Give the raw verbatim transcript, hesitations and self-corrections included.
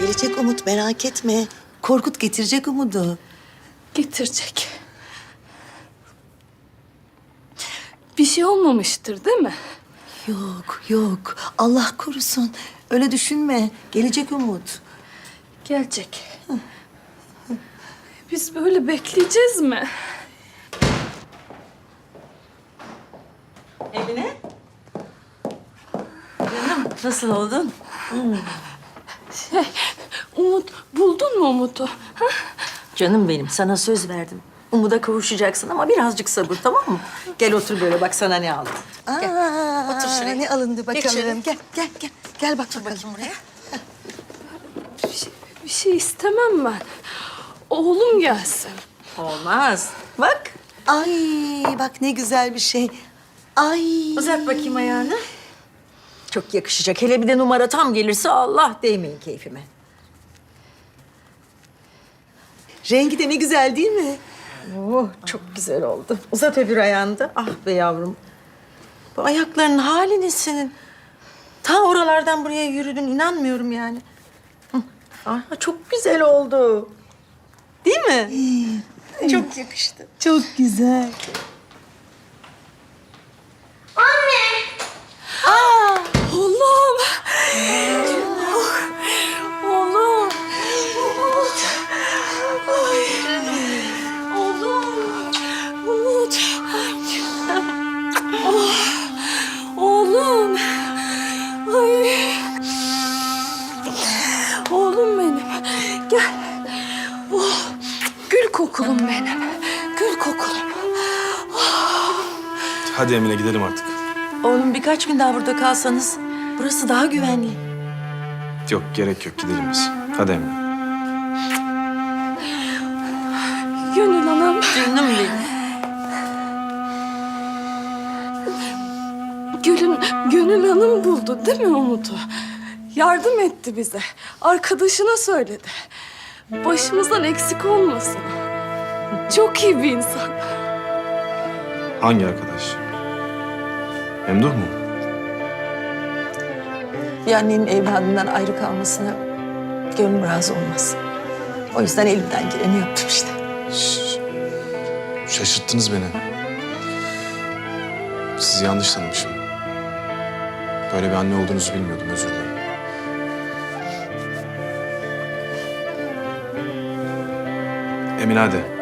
Gelecek Umut, merak etme. Korkut getirecek Umut'u. Getirecek. Bir şey olmamıştır değil mi? Yok, yok. Allah korusun. Öyle düşünme. Gelecek Umut. Gelecek. Biz böyle bekleyeceğiz mi? Emine. Canım, nasıl oldun? Şey, Umut, buldun mu Umut'u? Ha? Canım benim, sana söz verdim. Umut'a kavuşacaksın ama birazcık sabır, tamam mı? Gel otur böyle, bak sana ne aldım. Aa, Gel, otur şuraya. Ne alındı bakalım. şöyle. Gel, gel, gel. Gel bak bakalım. Bakayım buraya. Bir şey, bir şey istemem ben. Oğlum gelsin. Olmaz. Bak. Ay bak ne güzel bir şey. Ay. Uzat bakayım ayağını. Çok yakışacak. Hele bir de numara tam gelirse Allah değmeyin keyfime. Rengi de ne güzel değil mi? Oh, çok güzel oldu. Uzat öbür ayağını da. Ah be yavrum. Bu ayaklarının hali ne senin? Ta oralardan buraya yürüdün, inanmıyorum yani. Hı. Ah, çok güzel oldu. Değil mi? Çok yakıştı. Çok güzel. Oğlum. Oğlum. Umut. Ay. Oğlum. Umut. Oh. Oğlum. Ay. Oğlum benim. Gel. Oh. Gül kokulum benim. Gül kokulum. Hadi Emine gidelim artık. Oğlum birkaç gün daha burada kalsanız burası daha güvenli. Yok gerek yok gidelim biz. Hadi Emine. Gönül anam. Canım benim. Gül'ün, Gönül Hanım buldu değil mi Umut'u? Yardım etti bize. Arkadaşına söyledi. Başımızdan eksik olmasın. Çok iyi bir insan. Hangi arkadaş? Memduh mu? Bir annenin evladından ayrı kalmasına gönlüm razı olmaz. O yüzden elimden geleni yaptım işte. Şş, şaşırttınız beni. Sizi yanlış tanımışım. Böyle bir anne olduğunuzu bilmiyordum, özür dilerim. Emine hadi.